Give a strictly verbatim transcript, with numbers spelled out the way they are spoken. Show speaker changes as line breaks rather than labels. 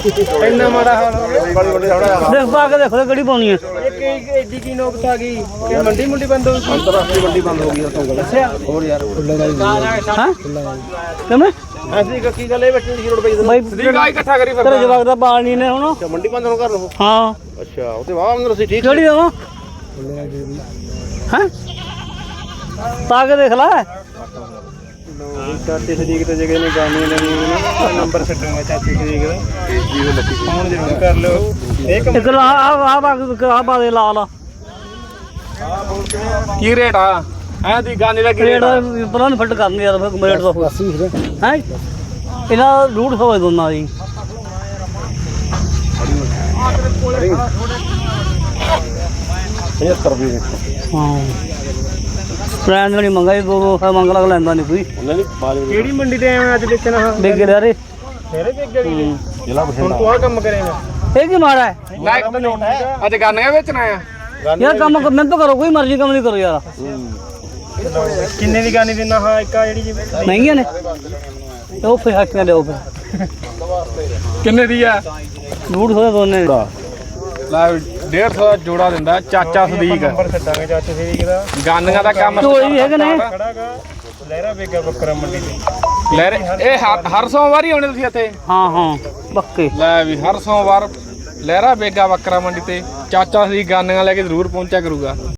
ਇੰਨਾ ਮਾੜਾ ਹਾਲ ਹੋ ਗਿਆ
ਦੇਖ ਪਾ ਕੇ ਦੇਖੋ ਕਿਹੜੀ ਪਾਉਣੀ ਹੈ
ਇੱਕ ਐਡੀ ਕੀ ਨੌਬਤ ਆ ਗਈ ਕਿ ਮੰਡੀ ਮੁੰਡੀ ਬੰਦ ਹੋ ਗਈ ਅੰਤਰਰਾਸ਼ਟਰੀ ਮੰਡੀ ਬੰਦ ਹੋ ਗਈ ਉਸੋਂ ਗੱਲ ਅੱਛਾ ਹੋਰ ਯਾਰ
ਹਾਂ ਕਿਵੇਂ
ਅਸੀਂ ਕੀ ਗੱਲ ਇਹ ਬੱਚੇ ਦੀ ਰੋਡ ਪਈ
ਬਾਈ
ਸਦੀਕਾ ਇਕੱਠਾ ਕਰੀ
ਤੇਰੇ ਜਵਾਕ ਦਾ ਪਾਣੀ ਨੇ ਹੁਣ
ਮੰਡੀ ਬੰਦ ਹੋ ਕਰ ਲਓ
ਹਾਂ
ਅੱਛਾ ਉਹ ਤੇ ਵਾਹ ਅੰਦਰ ਸੀ ਠੀਕ
ਕਿਹੜੀ ਦੇਵਾਂ ਹਾਂ ਪਾ ਕੇ ਦੇਖ ਲੈ
ਚਾਚੇ ਸਦੀਕ ਤੇ ਜਗ੍ਹਾ ਨੇ ਜਾਣੀ ਨੇ ਨੰਬਰ ਛੱਡੂਗਾ ਚਾਚੇ ਸਦੀਕ ਦਾ ਫੋਨ ਜ਼ਰੂਰ ਕਰ ਲਿਓ ਇੱਕ
ਇੱਕ ਲਾ ਆ ਆ ਆ ਪਾ ਦੇ ਲਾ ਲਾ
ਕੀ ਰੇਟ ਆ ਐ ਦੀ ਗਾਨੇ ਦਾ ਕੀ
ਰੇਟ ਪਰਾਂ ਨੂੰ ਫਿੱਟ ਕਰਨੀ ਯਾਰ ਫਿਰ ਰੇਟ ਦਾ ਹੈ ਇਹਨਾਂ ਰੂਟ ਹੋਵੇ ਦੋਨਾਂ ਦੀ
ਪਝੱਤਰ ਰੁਪਏ
ਹਾਂ ਪ੍ਰਾਈਸ ਨਹੀਂ ਮੰਗਾ ਦੋ ਦੋ ਮੰਗ ਲਗ ਲੈਂਦਾ ਨਹੀਂ ਕੋਈ
ਉਹਨਾਂ ਦੀ ਕਿਹੜੀ ਮੰਡੀ ਤੇ ਆਇਆ ਅੱਜ ਵੇਚਣਾ ਹਾਂ
ਬੇਗੇ ਯਾਰੇ
ਫੇਰੇ ਵੇਚ ਗਈ ਜ਼ਿਲ੍ਹਾ ਬਠਿੰਡਾ ਹੁਣ ਤੂੰ ਆ ਕੰਮ ਕਰੇਗਾ
ਇਹ ਕੀ ਮਾੜਾ ਹੈ
ਅੱਜ ਗਾਨੇ ਵੇਚਣਾ ਆ
ਯਾਰ ਕੰਮ ਮਿਹਨਤ ਕਰੋ ਕੋਈ ਮਰਜ਼ੀ ਕੰਮ ਨਹੀਂ ਕਰੋ ਯਾਰ
ਕਿੰਨੇ ਦੀ ਗਾਨੀ ਦਿੰਦਾ ਹਾਂ ਇੱਕ ਆ ਜਿਹੜੀ
ਮਹਿੰਗੀਆਂ ਨੇ ਉਹ ਫੇ ਹੱਟੀਆਂ ਲਿਓ ਫਿਰ
ਕਿੰਨੇ ਦੀ ਆ
ਰੂਟ ਹੋਏ ਦੋਨੇ
ਲੈ ਡੇਢ ਸੌ ਦਾ ਜੋੜਾ ਦਿੰਦਾ ਚਾਚਾ ਸਦੀਕ ਨੰਬਰ ਛੱਡਾਂਗੇ ਚਾਚਾ ਸਦੀਕ ਦਾ ਗਾਨੀਆਂ ਦਾ ਕੰਮ
ਢੋਲੀ ਹੈਗੇ ਨੇ
ਖੜਾਗਾ ਲਹਿਰਾ ਵੇਗਾ ਬੱਕਰਾ ਮੰਡੀ ਤੇ ਲਹਿਰੇ ਇਹ ਹਰ- ਹਰ ਸੋਮਵਾਰ ਹੀ ਆਉਣੇ ਤੁਸੀਂ ਇੱਥੇ
ਹਾਂ ਹਾਂ ਪੱਕੇ
ਲੈ ਵੀ ਹਰ ਸੋਮਵਾਰ ਲਹਿਰਾ ਵੇਗਾ ਬੱਕਰਾ ਮੰਡੀ ਤੇ ਚਾਚਾ ਸਦੀਕ ਗਾਨੀਆਂ ਲੈ ਕੇ ਜ਼ਰੂਰ ਪਹੁੰਚਿਆ ਕਰੂਗਾ।